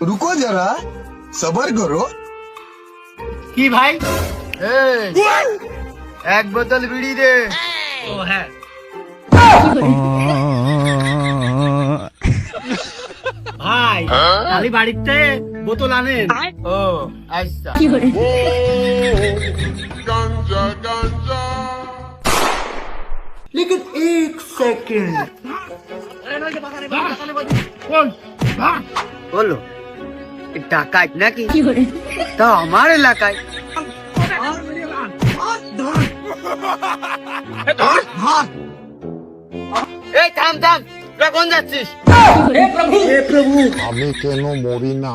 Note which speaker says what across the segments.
Speaker 1: रुको जरा सबर करो।
Speaker 2: কি ভাই? এক বোতল বিড়ি দে। ও হ্যাঁ। ভাই খালি বাড়িতে বোতল আনেন। ও আচ্ছা। लेकिन एक सेकंड বলো ডাকাত নাকি তা আমার এলাকায় এই থাম থাম তোরা কোন যাচ্ছিস?
Speaker 3: আমি কেন মরি না?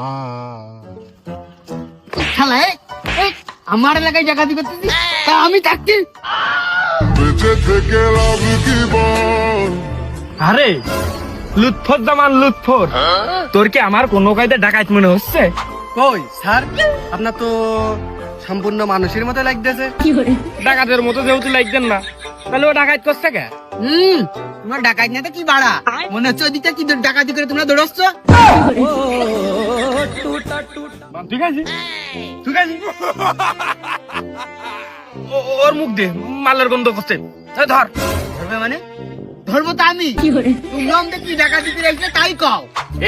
Speaker 2: শালা এই আমার এলাকায় ডাকাতি করতেছিস তা আমি থাকছি?
Speaker 3: বেঁচে থেকে লাভ কি বল?
Speaker 4: আরে লুৎফর জামান লুৎফর, তোর কি আমার কোনো কায়দা ডাকাত মনে হচ্ছে?
Speaker 2: কই স্যার আপনার তো সম্পূর্ণ মানুষের মতো লাগতেছে।
Speaker 4: ডাকাতের মতো যেহেতু লাগছেন না, তাহলে ও ডাকাত করছে কে?
Speaker 2: তোমার ডাকাত না তো কি বাড়া মনে হচ্ছে ওদিকটা কি ডাকাতি করে তোমরা দৌড়াচ্ছ।
Speaker 4: ঠিক আছে ঠিক আছে, ওর মুখ দে, মালের গন্ধ করছে। এই ধর।
Speaker 2: ধরবে মানে ধরবো তো আমি, তোমরা আমাদের কি ডাকাতি করে তাই কও।